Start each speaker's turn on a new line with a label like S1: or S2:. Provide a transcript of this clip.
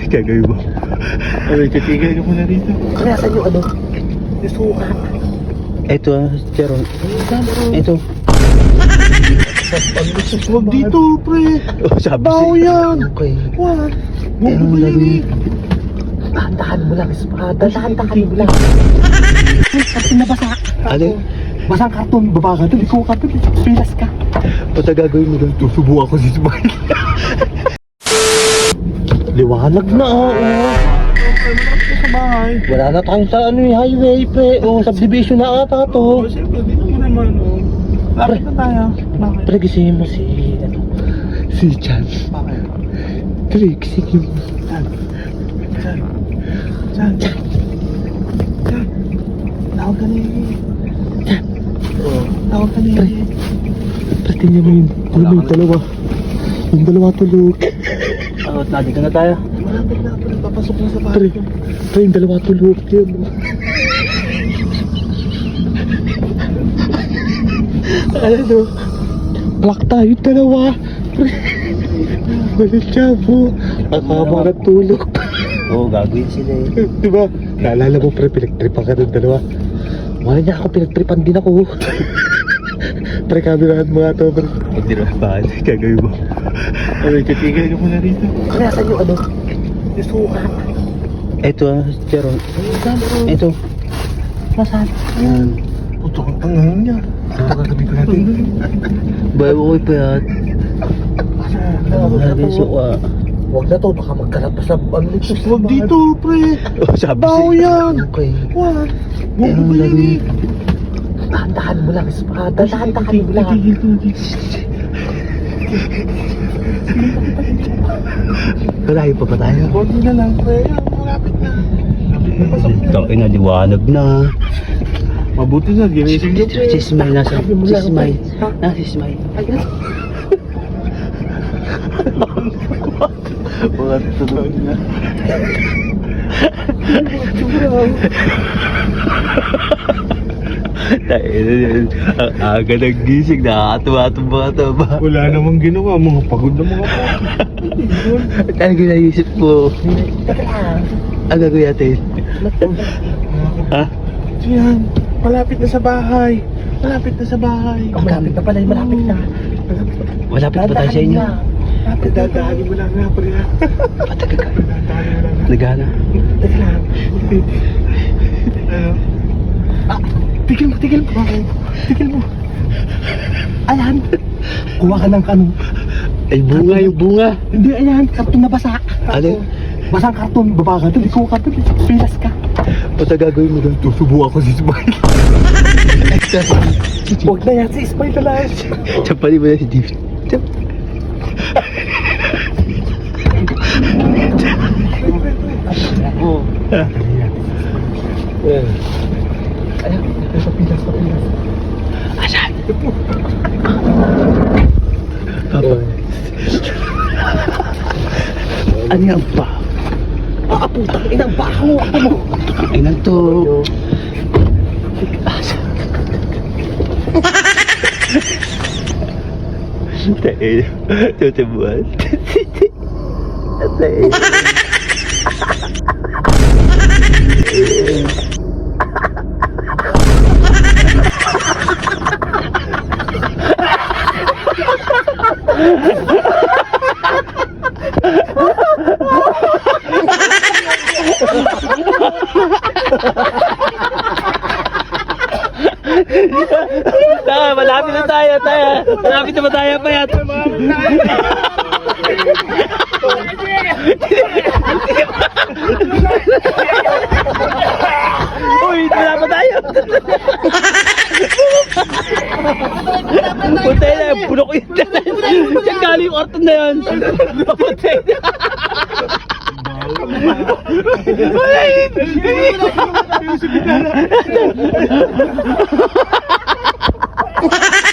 S1: Gagawin mo. Ay, titigil ka muna rito.
S2: Kaya saan yung ano? Yung suka.
S1: Ito Jeron. Ito.
S2: Huwag dito, pre.
S1: Oh, sabi
S2: Baho yan.
S1: Okay.
S2: What? Huwag
S1: Ano
S2: mo ba yan
S1: lagay?
S2: Dahan-dahan mo lang, dahan-dahan mo lang. Karton na basa.
S1: Ano?
S2: Basang karton, baba ka doon, ikaw ka doon, pilas ka.
S1: Basta gagawin mo doon. Tusubo ako si Smile.
S2: Liwanag na, oo.
S1: Sa bahay.
S2: Wala na tayong sa ano, highway, pre. O, subdivision na ata to.
S1: Siyempre, dito mo naman. Lapit na tayo. Bakit?
S2: Pre, gisingin mo si, ano, si Chan.
S1: Bakit?
S2: Pre, gisingin mo.
S1: Chan. Tawag ka na yun. Tawag ka na
S2: Pre,
S1: yun.
S2: pre, tingnan mo yun. Ano mo yung dalawa? Yung dalawa tulog.
S1: Nandito na tayo. Malapit na ako. Papasok na sa bahay.
S2: Pre, yung dalawa tulog. Yun. Ano? Black tayo dalawa. Pre, walang tiyabo. Ang haba na tulog.
S1: Oo, gagawin sila eh.
S2: Diba? Naalala mo, pre, pinagtripan ka ng dalawa. Wala niya ako, pinagtripan din ako. Pre, kamerahan mo nga to, pre.
S1: Huwag din naman bahan. Gagawin mo. Ay, titigil ka muna rito.
S2: Kaya saan yung ano? Yung suka.
S1: Ito Jeron. Ito.
S2: Nasaan?
S1: Yan.
S2: Puto kang tangahan niya. Ito gagawin ko natin.
S1: Bayo ko ipayat. Lagi suka.
S2: Huwag na to, baka magkalat pa sa ano nito.
S1: Huwag dito, pre. Oh, sabi
S2: Baho yan.
S1: Okay.
S2: What?
S1: Huwag mo ba yan eh?
S2: Dahan-dahan mo lang, dahan-dahan mo lang.
S1: Malayo pa ba tayo?
S2: Huwag mo na lang, pre. Malapit na.
S1: Itong inaliwanag na. Mabuti na, ginising niyo pre. Si Smile nasa. Si Smile. Si Smile.
S2: Ayan.
S1: Mga tulog na. Ang aga ng gising, nakakatuwa-tuwa mga taba.
S2: Wala namang ginawa, mga pagod na mga po.
S1: Talaga naisip ko. Ang gagawin natin. Ha?
S2: Yan, malapit na sa bahay. Malapit na sa bahay. Malapit na pala, malapit na.
S1: Malapit pa tayo sa inyo.
S2: Malapit na. Dadaanin mo lang nga, pre.
S1: Patagal ka.
S2: Dadaanin mo lang nga.
S1: Nagana.
S2: Teka lang. Ano? Ah, tigil mo. Tigil mo. Ayan. Kuha ka ng kanong.
S1: Ay, bunga yung bunga.
S2: Hindi, ayan. Karton na basa.
S1: Ano?
S2: Basang karton. Baba ka doon. Ikaw ka doon. Pilas ka.
S1: Basta gagawin mo doon. Tusubo ako si Smile.
S2: Huwag na yan. Si Ismail na lang.
S1: Tsapali mo na si Steve.
S2: Oo. Ayan. Sa pilas.
S1: Asan? Ano yan ba?
S2: Putang inang baho. Ako mo.
S1: Ay nang to. Tayo. Tutubuan. Tayo. Malapit na tayo. Malapit na ba tayo pa yan? Uy, wala pa tayo. Puntay na, bulok yun. Diyan galing yung orton na yun. Puntay na. Ay!